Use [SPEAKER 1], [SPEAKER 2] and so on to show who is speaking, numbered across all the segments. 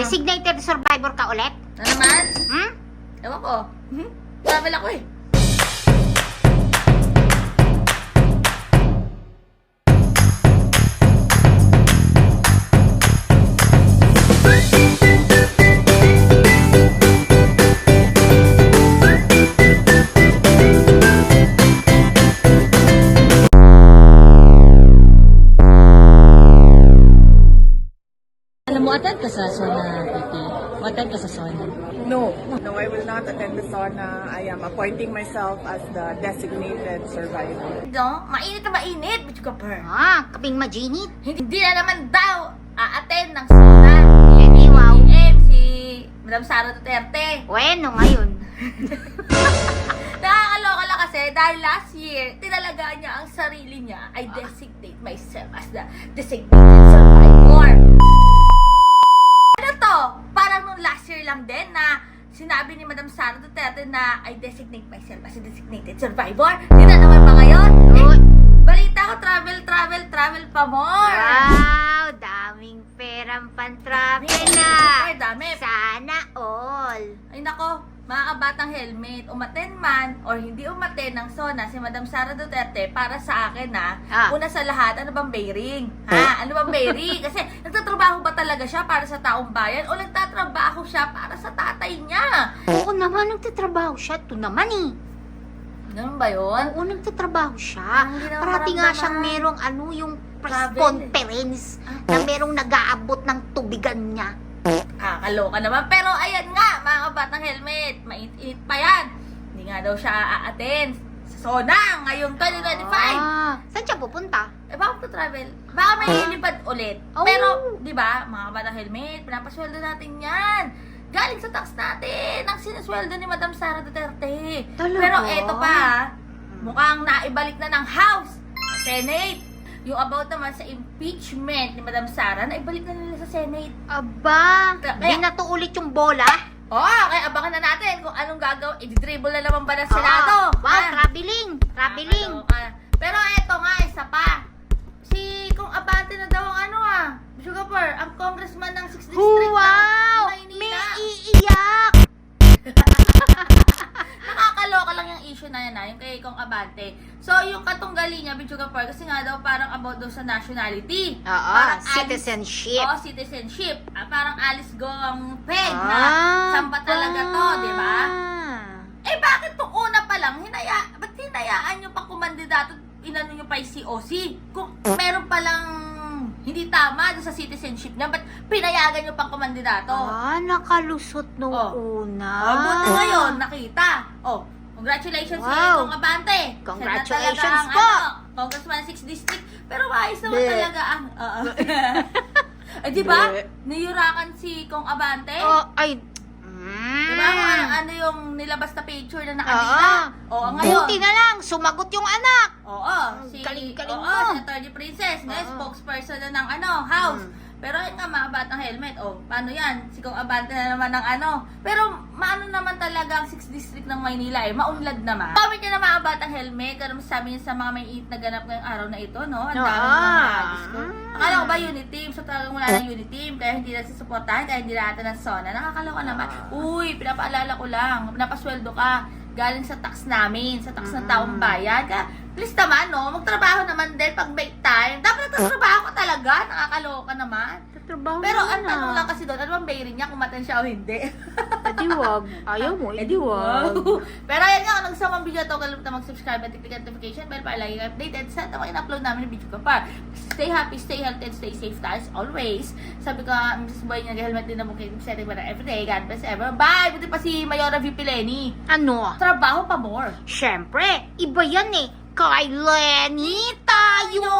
[SPEAKER 1] Designated survivor ka ulit?
[SPEAKER 2] Ano naman?
[SPEAKER 1] Hmm?
[SPEAKER 2] Ewan ko. Travel ako eh. Alam mo, attend ka sa SONA, Kiki. Attend ka sa SONA.
[SPEAKER 3] No, I will not attend the sauna. I am appointing myself as the designated survivor.
[SPEAKER 2] No? Mainit na mainit, bitch ka per.
[SPEAKER 1] Kaping majinit.
[SPEAKER 2] Hindi na naman daw a-attend ng SONA.
[SPEAKER 1] Edi, wow.
[SPEAKER 2] Si Madam Sara Duterte.
[SPEAKER 1] Bueno, ngayon.
[SPEAKER 2] Nakakaloka lang kasi dahil last year, tinalagaan niya ang sarili niya, I designate myself as the designated survivor. Ano to? Parang nung last year lang din na sinabi ni Madam Sara Duterte na I designate myself as a designated survivor. Hindi na naman ba ngayon? Balita ko, travel pa more.
[SPEAKER 1] Wow, daming perang pan-travel na.
[SPEAKER 2] Ay, dami.
[SPEAKER 1] Sana all.
[SPEAKER 2] Ay nako, mga kabatang helmet, umaten man or hindi umaten ng SONA si Madam Sara Duterte, para sa akin una sa lahat, ano bang bearing? Ano bang bearing? Kasi nagtatrabaho ba talaga siya para sa taong bayan o nagtatrabaho siya para sa tatay niya?
[SPEAKER 1] Oo naman, nagtatrabaho siya. Ito naman eh.
[SPEAKER 2] Ganun ba yun?
[SPEAKER 1] Oo, nagtatrabaho siya.
[SPEAKER 2] Hindi naman
[SPEAKER 1] Parati nga siyang
[SPEAKER 2] maramdaman.
[SPEAKER 1] merong yung press
[SPEAKER 2] Travel.
[SPEAKER 1] conference na merong nag-aabot ng tubigan niya.
[SPEAKER 2] Kaloka naman. Pero ayan nga, mga kabatang helmet, mainit-init pa yan. Hindi nga daw siya a-attend sa SONA ngayong 2025.
[SPEAKER 1] Saan siya pupunta?
[SPEAKER 2] Baka travel. Baka may lilipad ulit.
[SPEAKER 1] Oh.
[SPEAKER 2] Pero, di ba, mga kabatang helmet, pinapasweldo natin yan. Galing sa tax natin, ang sinasweldo ni Madam Sara Duterte.
[SPEAKER 1] Talaga?
[SPEAKER 2] Pero eto pa, mukhang naibalik na ng House, Senate. Yung about naman sa impeachment ni Madam Sara, naibalik na nila sa Senate.
[SPEAKER 1] Aba,
[SPEAKER 2] Kaya-
[SPEAKER 1] di na to ulit yung bola.
[SPEAKER 2] Kaya abangan na natin kung anong gagawin. I-dribble na naman ba ng Senado?
[SPEAKER 1] Wow, traveling.
[SPEAKER 2] Nakakaloka. Pero eto nga, isa pa. Si Kung Abante na daw ang Sugarper, ang congressman ng 6th District
[SPEAKER 1] Wow!
[SPEAKER 2] ng
[SPEAKER 1] May
[SPEAKER 2] Maynila.
[SPEAKER 1] iiyak!
[SPEAKER 2] Nakakaloka lang yung issue na yan yung kay Kung Abante. So, yung katunggali niya, Sugarper, kasi nga daw parang about daw sa nationality. Parang
[SPEAKER 1] Citizenship.
[SPEAKER 2] Citizenship. Parang Alice Gong Peg na saan ba talaga to, di ba? Eh, bakit nung una pa lang, ba't hinayaan nyo pang kumandidato, inano nyo pa yung COC? Kung meron palang hindi tama doon sa citizenship niya, ba't pinayagan nyo pang kumandidato?
[SPEAKER 1] Nakalusot nung una.
[SPEAKER 2] Buti ngayon, nakita. Congratulations
[SPEAKER 1] Wow.
[SPEAKER 2] Kung Abante.
[SPEAKER 1] Congratulations
[SPEAKER 2] Siya na talaga
[SPEAKER 1] po.
[SPEAKER 2] Congressman 6th District. Pero ayos naman talaga ang... Eh, di ba? Niyurakan si Kung Abante. Diba ano yung nilabas na picture na nakadila? Ngayon.
[SPEAKER 1] Buti na lang, sumagot yung anak.
[SPEAKER 2] Si
[SPEAKER 1] Galing-galing mo.
[SPEAKER 2] Senator Princess, spokesperson na ng House. Pero yun nga, mga batang helmet, paano yan? Si Kung Abante na naman ng Pero maano naman talaga ang 6th District ng Maynila maunlad naman. Comment nyo na mga batang helmet, ano masasabi nyo sa mga may init na ganap ngayong araw na ito, no? Ang dami mga gusto. Akala ko ba unit team? So talagang wala ng unit team, kaya hindi na susuportahan, kaya hindi natin ng SONA. Nakakaloka naman. Uy, pinapaalala ko lang, pinapasweldo ka galing sa tax namin, sa tax ng taong bayan. Kaya, please naman, no? Magtrabaho naman din pag break time. Dapat nagtatrabaho ka talaga. Nakakaloka naman. Pero ang tanong lang kasi doon, ano bang bearing niya kung matan siya o hindi?
[SPEAKER 1] Edi wag. Ayaw mo, edi wag.
[SPEAKER 2] Pero ayan nga, kung nagustuhan mo ang video ito, kalimutan mag-subscribe at click notification bell para lagi updated sa mga in-upload namin ng video ko pa. Stay happy, stay healthy, and stay safe tayo as always. Sabi ko, Mrs. Boy, nag-helmet din na bukid setting para everyday. God bless ever. Bye! Buti pa si Mayora VP Lenny.
[SPEAKER 1] Ano?
[SPEAKER 2] Trabaho pa more.
[SPEAKER 1] Siyempre, iba yan eh. Kay Lenny tayo!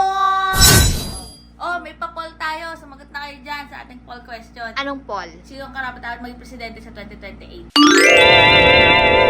[SPEAKER 2] May pa-poll tayo. Sumagot na kayo dyan sa ating poll question.
[SPEAKER 1] Anong Paul?
[SPEAKER 2] Sino ang karapat dapat maging presidente sa 2028?